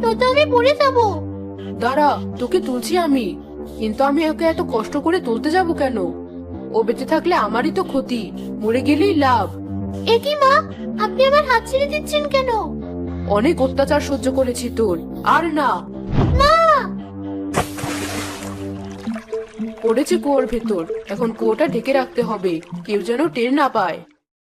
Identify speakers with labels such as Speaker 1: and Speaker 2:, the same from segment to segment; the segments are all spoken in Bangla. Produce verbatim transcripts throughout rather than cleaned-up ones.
Speaker 1: নয়তো আমি পড়ে যাবো।
Speaker 2: দাঁড়া, তোকে তুলছি আমি। কিন্তু আমি ওকে এত কষ্ট করে তুলতে যাব কেন? ও বেঁচে থাকলে আমারই তো ক্ষতি, মরে গেলেই লাভ।
Speaker 1: এ কি মা, আপনি আমার হাত ছেড়ে দিচ্ছেন কেন?
Speaker 2: অনেক অত্যাচার সহ্য করেছি তোর, আর না।
Speaker 1: মা!
Speaker 2: পড়েছে কুয়োর ভেতর, এখন কুয়োটা ঢেকে রাখতে হবে, কেউ যেন টের না পায়।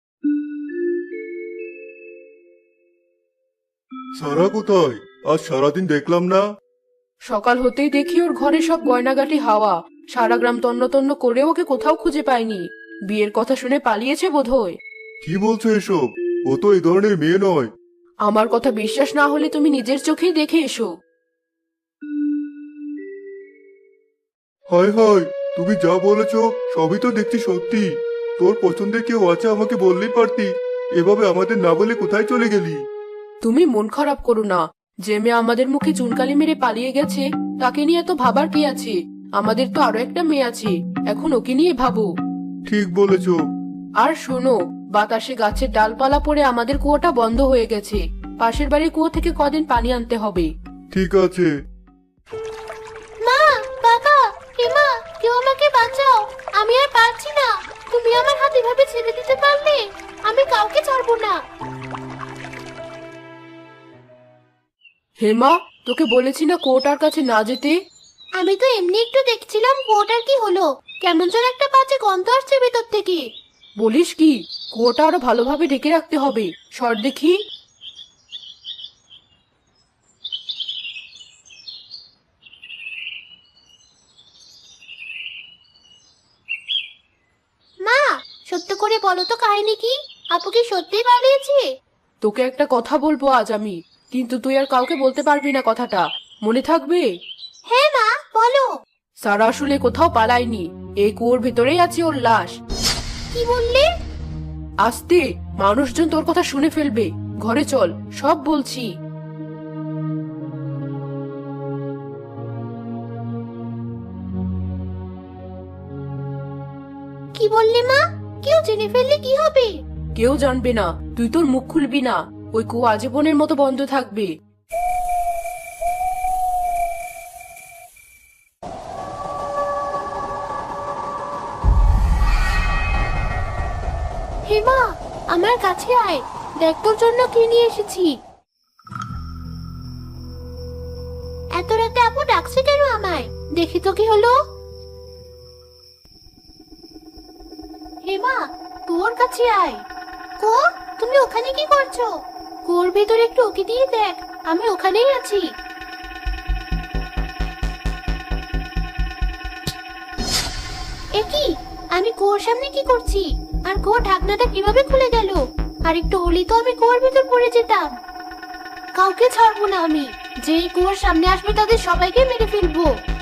Speaker 3: সারা কোথায়? আজ সারাদিন দেখলাম না।
Speaker 2: সকাল হতেই দেখি ওর ঘরে সব গয়নাগাটি হাওয়া। সারা গ্রাম তন্ন তন্ন করে ওকে কোথাও খুঁজে পাইনি। বিয়ের কথা শুনে পালিয়েছে বোধহয়।
Speaker 3: কি বলছো এসব? ও তো এই ধরনের মেয়ে নয়।
Speaker 2: আমার কথা বিশ্বাস না হলে তুমি নিজের চোখেই দেখে এসো।
Speaker 3: হায় হায়, তুমি যা বলেছো সবই তো দেখছি সত্যি। তোর পছন্দের কেউ আছে আমাকে বললেই পারতি। এভাবে আমাদের না বলে কোথায় চলে গেলি?
Speaker 2: তুমি মন খারাপ করো না। যে মেয়ে আমাদের মুখে চুনকালি মেরে পালিয়ে গেছে, তাকে নিয়ে তো ভাবার কি আছে? আমাদের তো আরো একটা মেয়ে আছে, এখন ওকে নিয়ে ভাবো।
Speaker 3: ঠিক বলেছো।
Speaker 2: আর শোনো, বাতাসে গাছের ডালপালা পড়ে আমাদের কুয়োটা বন্ধ হয়ে গেছে। পাশের বাড়ির কুয়ো থেকে কদিন পানি আনতে হবে।
Speaker 3: ঠিক আছে।
Speaker 1: মা, বাবা, এমা, কেউ আমাকে বাঁচাও। আমি আর পারছি না। তুমি আমার হাত এভাবে ছেড়ে দিতে পারলে? আমি কাউকে ছাড়বো না।
Speaker 2: হেমা, তোকে বলেছি না কুয়োটার কাছে না যেতে?
Speaker 1: আমি তো এমনি একটু দেখছিলাম কুয়োটার কি হলো। কেমন যেন একটা বাজে গন্ধ আসছে ভেতর থেকে।
Speaker 2: বলিস কি? কুয়োটা আরো ভালোভাবে ঢেকে রাখতে হবে। সর দেখি।
Speaker 1: মা, সত্য করে বলো তো কাহিনী কি? আপু কি সত্যিই পালিয়েছে?
Speaker 2: তোকে একটা কথা বলবো আজ আমি, কিন্তু তুই আর কাউকে বলতে পারবি না কথাটা। মনে থাকবে?
Speaker 1: হ্যাঁ মা, বলো।
Speaker 2: সারা আসলে কোথাও পালায়নি, এই কুয়োর ভেতরেই আছে ওর লাশ।
Speaker 1: কি বললে?
Speaker 2: আস্তে, মানুষজন তোর কথা শুনে ফেলবে। ঘরে চল, সব বলছি।
Speaker 1: কি বললে মা? কেউ জেনে ফেললে কি হবে?
Speaker 2: কেউ জানবে না, তুই তোর মুখ খুলবি না। ওই কুয়ো আজীবনের মতো বন্ধ থাকবে।
Speaker 1: হেমা, আমার কাছে আয়, দেখ তোর জন্য কি নিয়ে এসেছি। এত রাতে আপু ডাকছে কেন আমায়? দেখি তো কি হলো। হেমা, তোর কাছে আয়। কো, তুমি ওখানে কি করছো? কুয়োর ভেতরে একটু ওকে দিয়ে দেখ, আমি ওখানেই আছি। এ কি, আমি কুয়োর সামনে কি করছি? আর কুয়োর ঢাকনাটা কিভাবে খুলে গেল? আর একটু হলেই তো আমি কুয়োর ভেতর পড়ে যেতাম। কাউকে ছাড়বো না আমি। যেই কুয়োর সামনে আসবে তাদের সবাইকে মেরে ফেলবো।